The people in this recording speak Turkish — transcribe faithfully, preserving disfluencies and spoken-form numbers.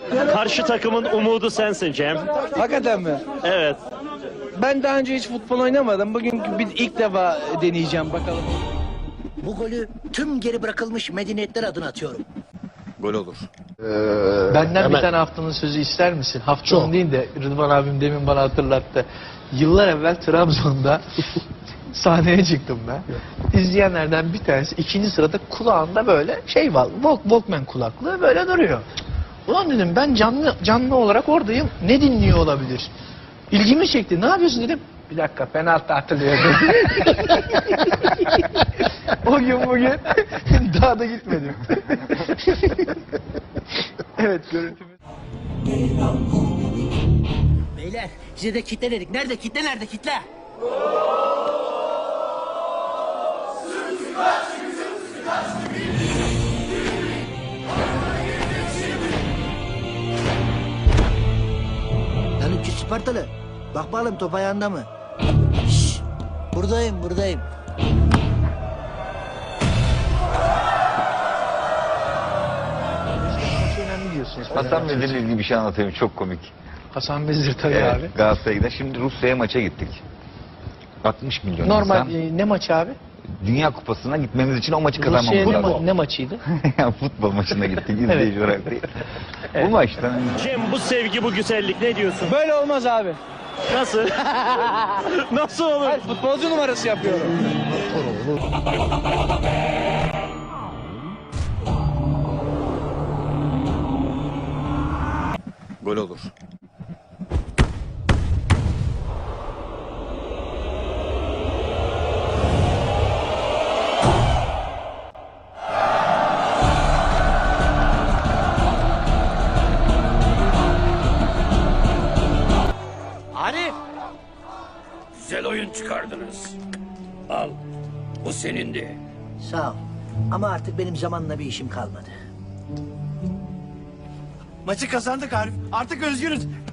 Karşı takımın umudu sensin Cem. Hakikaten mi? Evet. Ben daha önce hiç futbol oynamadım. Bugün bir ilk defa deneyeceğim bakalım. Bu golü tüm geri bırakılmış medeniyetler adına atıyorum. Gol olur. Benden Hemen. bir tane haftanın sözü ister misin? Haftanın değil de Rıdvan abim demin bana hatırlattı. Yıllar evvel Trabzon'da sahneye çıktım ben. İzleyenlerden bir tanesi ikinci sırada kulağında böyle şey var. Walk, Walkman kulaklığı böyle duruyor. Ulan dedim ben canlı canlı olarak oradayım. Ne dinliyor olabilir? İlgimi çekti. Ne yapıyorsun dedim. Bir dakika penaltı atılıyor dedi. O gün bugün daha da gitmedim. Evet görüntümüz. Beyler size de kitle dedik. Nerede kitle nerede kitle? Lan üç yüz Spartalı. Bak bakalım top ayağında mı? Şşş. Buradayım buradayım. Maçı önemli diyorsunuz. Hasan Vezir'le ilgili bir şey anlatayım. Çok komik. Hasan Vezir tabii Evet, abi. Galatasaray'a gider. Şimdi Rusya'ya maça gittik. altmış milyon Normal insan. e, ne maçı abi? Dünya Kupası'na gitmemiz için o maçı Rusya'ya kazanmamız ne, lazım. ma- ne maçıydı? Ya futbol maçına gittik izleyici olarak değil. Evet. Bu maçtan Cem bu sevgi, bu güzellik ne diyorsun? Böyle olmaz abi. Nasıl? Nasıl olur? Hayır, futbolcu numarası yapıyorum. gol olur. Arif! Güzel oyun çıkardınız. Al, bu senindi. Sağ ol. Ama artık benim zamanla bir işim kalmadı. Maçı kazandık Arif. Artık özgürüz.